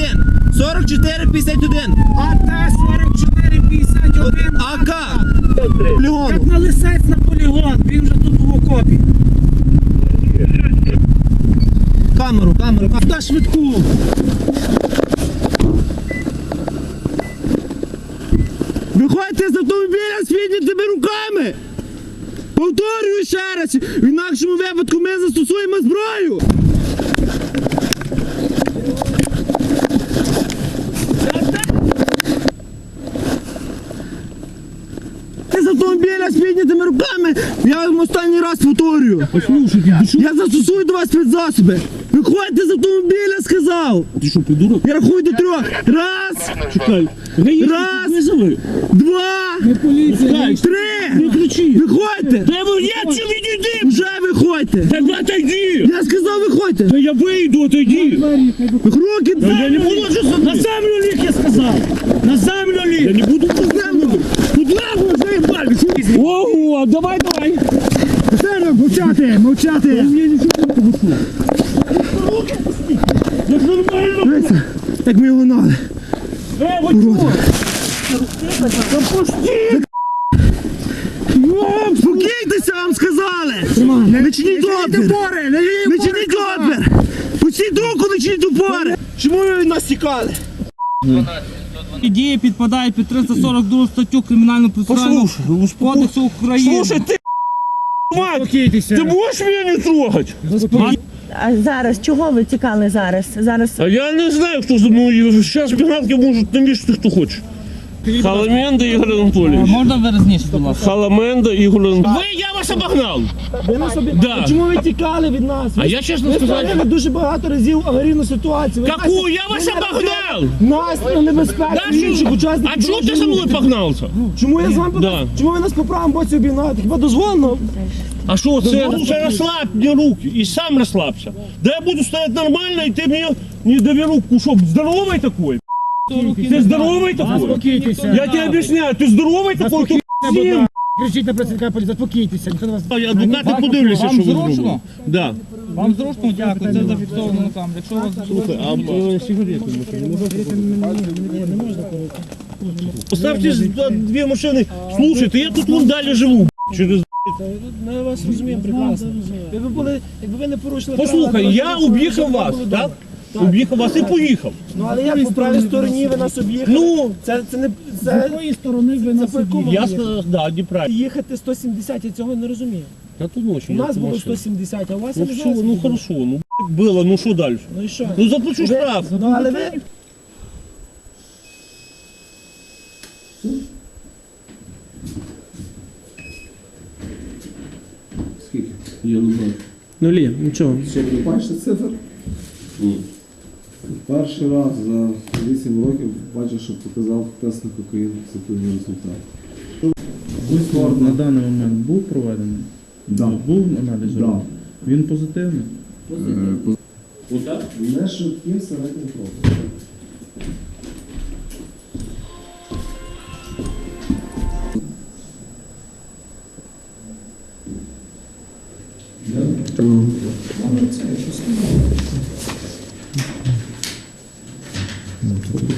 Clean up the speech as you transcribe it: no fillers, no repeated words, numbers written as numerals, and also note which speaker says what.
Speaker 1: 4451. 4451.
Speaker 2: АТ 4451.
Speaker 1: АК. Полігон.
Speaker 2: Як на Лисець на полігон, він вже тут в окопі.
Speaker 1: Камеру.
Speaker 2: Та швидку.
Speaker 1: Виходьте з автомобіля з піднятими руками. Повторюю ще раз. В інакшому випадку ми застосуємо зброю. З автомобіля з піднятими руками, я вам останній раз повторюю. Я застосую до вас спецзасоби. Виходьте з автомобіля, сказав.
Speaker 3: Ти що, придурок?
Speaker 1: Я рахую до 3. Раз.
Speaker 3: Чекай.
Speaker 1: Раз. 2.
Speaker 2: Не поліція.
Speaker 1: 3.
Speaker 3: Не кричи.
Speaker 1: Виходьте.
Speaker 3: Та я чи відійди?
Speaker 1: Вже виходьте.
Speaker 3: Так отойди.
Speaker 1: Я сказав, виходьте.
Speaker 3: Та я вийду, отойди.
Speaker 1: Руки
Speaker 3: Та я не буду вже
Speaker 2: На землю ліг, я сказав. На землю
Speaker 3: Я
Speaker 2: ліг.
Speaker 3: не буду на землю. Куда ви заїбали? Ого, давай.
Speaker 1: Мовчати.
Speaker 3: Я нічого не погушу. Як нормально.
Speaker 1: Дивіться, як ми його гнали. Спокійтеся, вам сказали. Не чиніть опір. Не чиніть опір. Пустіть руку, не чиніть опори. Чому ви від нас тікали?
Speaker 4: Дії підпадають під 342 статтю Кримінально-процесуального кодексу України.
Speaker 3: Слушай, ти, мать, ти можеш мене не трогати?
Speaker 5: А зараз чого ви тікали зараз?
Speaker 3: А я не знаю, хто за мною. Зараз пігнатки можуть навішати, хто хоче. Халаменда Ігор Анатолійович.
Speaker 4: Можна виразніше, будь ласка?
Speaker 3: Халаменда Ігор Анатолійович. Я вас обогнав.
Speaker 1: Ви нас
Speaker 3: Да.
Speaker 1: Чому ви тікали від нас?
Speaker 3: А я чесно
Speaker 1: Ви
Speaker 3: сказав,
Speaker 1: створили дуже багато разів аварійну ситуацію.
Speaker 3: какую? Я вас обогнал.
Speaker 1: Нас на небезпеку
Speaker 3: Да,
Speaker 1: інших учасників.
Speaker 3: а чого ти за
Speaker 1: дорожнього
Speaker 3: мною
Speaker 1: руху.
Speaker 3: погнався?
Speaker 1: Чому я з вами
Speaker 3: Да.
Speaker 1: Чому ви нас по правому боці обігнали? Хіба дозволено?
Speaker 3: А що це? Слушай, розслабь мені руки і сам розслабся. Да я буду стояти нормально, і ти мені не довіру. Що, здоровий такой? Ти здоровий такой?
Speaker 2: Заспокійтеся.
Speaker 3: Я тебе об'ясняю, ти здоровий такой? Всім.
Speaker 2: Кричіть на працівника поліції, заспокійтеся. Ніхто на вас...
Speaker 3: Адвокати подивляться, що ви
Speaker 4: зручно?
Speaker 3: зробили. Да.
Speaker 4: Вам зручно? Дякую, це зафіксовано на камері. Якщо у вас
Speaker 3: Поставьте дві машини. Слушайте, я тут вон далі живу. Через...
Speaker 1: Ми вас розуміємо прекрасно. Якби ви не порушили
Speaker 3: Послухай, я об'їхав вас, так? Об'їхав вас і поїхав.
Speaker 1: Ну але як по правій стороні ви нас об'їхали?
Speaker 3: Ну,
Speaker 1: Це не...
Speaker 2: З якої сторони ви нас
Speaker 1: по якому
Speaker 3: я сказав, да, неправильно.
Speaker 1: їхати 170, я цього не розумію.
Speaker 3: Та то ночі.
Speaker 1: У нас було 170, а у вас
Speaker 3: Ну
Speaker 1: я не
Speaker 3: все,
Speaker 1: знаю,
Speaker 3: ну
Speaker 1: скільки було.
Speaker 3: хорошо, ну было, ну що далі?
Speaker 1: Ну і що?
Speaker 3: Ну заплачу штраф.
Speaker 1: Ну але ви...
Speaker 6: Скільки?
Speaker 3: Я не знаю.
Speaker 1: Нулі, нічого.
Speaker 6: Що, ви бачите цифр? Перший раз за 8 років бачу, що показав тест на кокаїн позитивний результат.
Speaker 7: Висновок на даний момент був проведений?
Speaker 6: Да.
Speaker 7: Був аналіз?
Speaker 6: Да.
Speaker 7: Він позитивний?
Speaker 6: Не швидким середнім кроком.